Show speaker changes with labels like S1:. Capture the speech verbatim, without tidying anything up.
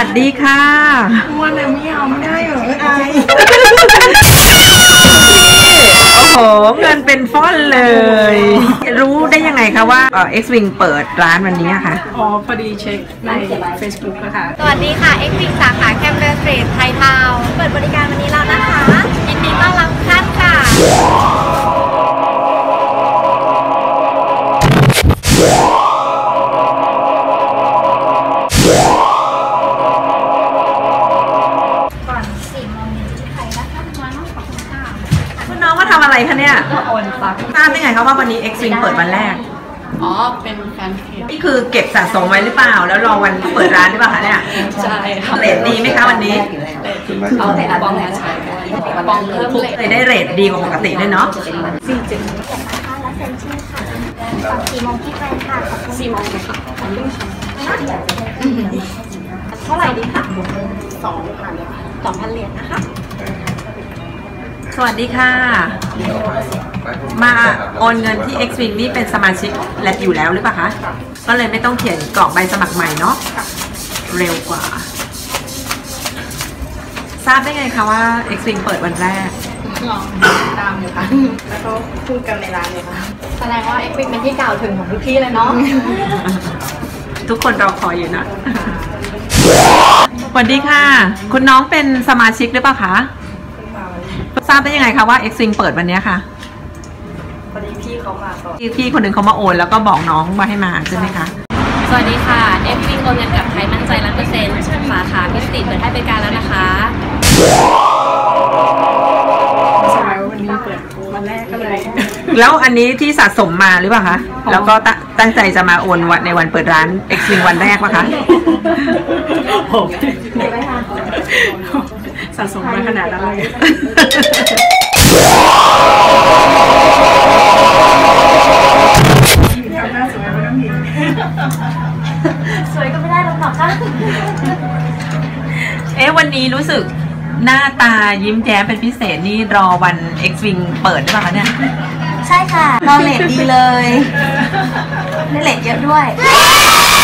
S1: วัสดีค่ะ
S2: ม้วนแต่ไม่เอาไม่ได้เหรอไอ
S1: โอ้โหเงินเป็นฟ้อนเลยรู้ได้ยังไงคะว่าเอ่อ X-Wing เปิดร้านวันนี้ค่ะ
S2: อ๋อพอดีเช็คใน Facebook นะคะ
S3: สวัสดีค่ะ X-Wing สาขาแคมเบอร์สตรีทไทยทาวน์เปิดบริการวันนี้แล้วนะคะยินดีต้อนรับท่านค่ะก่อนสี่โมงเย็นที่ไทยนะคะมาห้องขอบคุณค่ะ
S1: คุณน้องมาทำอะไรคะเนี่ย
S2: โอนซัก
S1: ทราบได้ไงคะว่าวันนี้ X-Wing เปิดวันแรก
S2: อ๋อเป็นแฟนเพจ
S1: นี่คือเก็บสะสมไว้หรือเปล่าแล้วรอวันเปิดร้านหรือเปล่าคะเนี่ย
S2: ใช่ค่ะ
S1: เรทดีไหมคะวันนี้
S2: เอาแต่บองแล้วใช่บองเพิ่ม
S1: เลยได้เรทดีกว่าปกติด้วยเนาะ
S2: สี่เจ็ด
S3: นะคะและเซ็นชื่อค่ะก่อนสี่โมงที่ไทยค่ะขอบคุณ
S2: สี่โมงค่ะ
S3: เท่าไหร่ดีคะ
S2: สองพัน
S3: สองพันเหรียญนะคะ
S1: สวัสดีค่ะมาโอนเงินที่ X-Wing นี่เป็นสมาชิกแลบอยู่แล้วหรือเปล่าคะก็เลยไม่ต้องเขียนกรอกใบสมัครใหม่เนาะเร็วกว่าทราบได้ไงคะว่า X-Wing เปิดวันแรก
S2: ลองตามอยู่ค่ะแล้วก็พูดกันในร้านเลยค่ะ
S3: แสดงว่า X-Wing เป็นที่กล่าวถึงของทุกที่เลยเนาะ
S1: ทุกคนรอคอยอยู่นะสวัสดีค่ะคุณน้องเป็นสมาชิกหรือเปล่าคะทราบได้ยังไงคะว่า X-Wing เปิดวันนี้ค่ะ
S2: พอดีพี่เขามาก่อน
S1: พี่คนหนึ่งเขามาโอนแล้วก็บอกน้องว่าให้มาใช่ไหมคะ
S3: สวัสดีค่ะ X-Wing โอนเงินกับไทยมั่นใจร้อยเปอร์เซ็นต์สาขาพิสติเปิดให้บริการแล้วนะคะ
S2: ใช่วันนี้เปิดวันแรกก็เลย
S1: แล้วอันนี้ที่สะสมมาหรือเปล่าคะแล้วก็ตั้งใจจะมาโอนวันในวันเปิดร้าน X-Wing วันแรกป่ะคะ
S2: ผมสะสมมาขนาดนั้นเลย
S3: สวยก็ไม่ได้หรอกค่ะ
S1: เอ๊ะวันนี้รู้สึกหน้าตายิ้มแย้มเป็นพิเศษนี่รอวัน X-Wing เปิดหรือเปล่าคะเนี่ย
S3: ใช่ค่ะรอเลทดีเลยได้เลทเยอะด้วย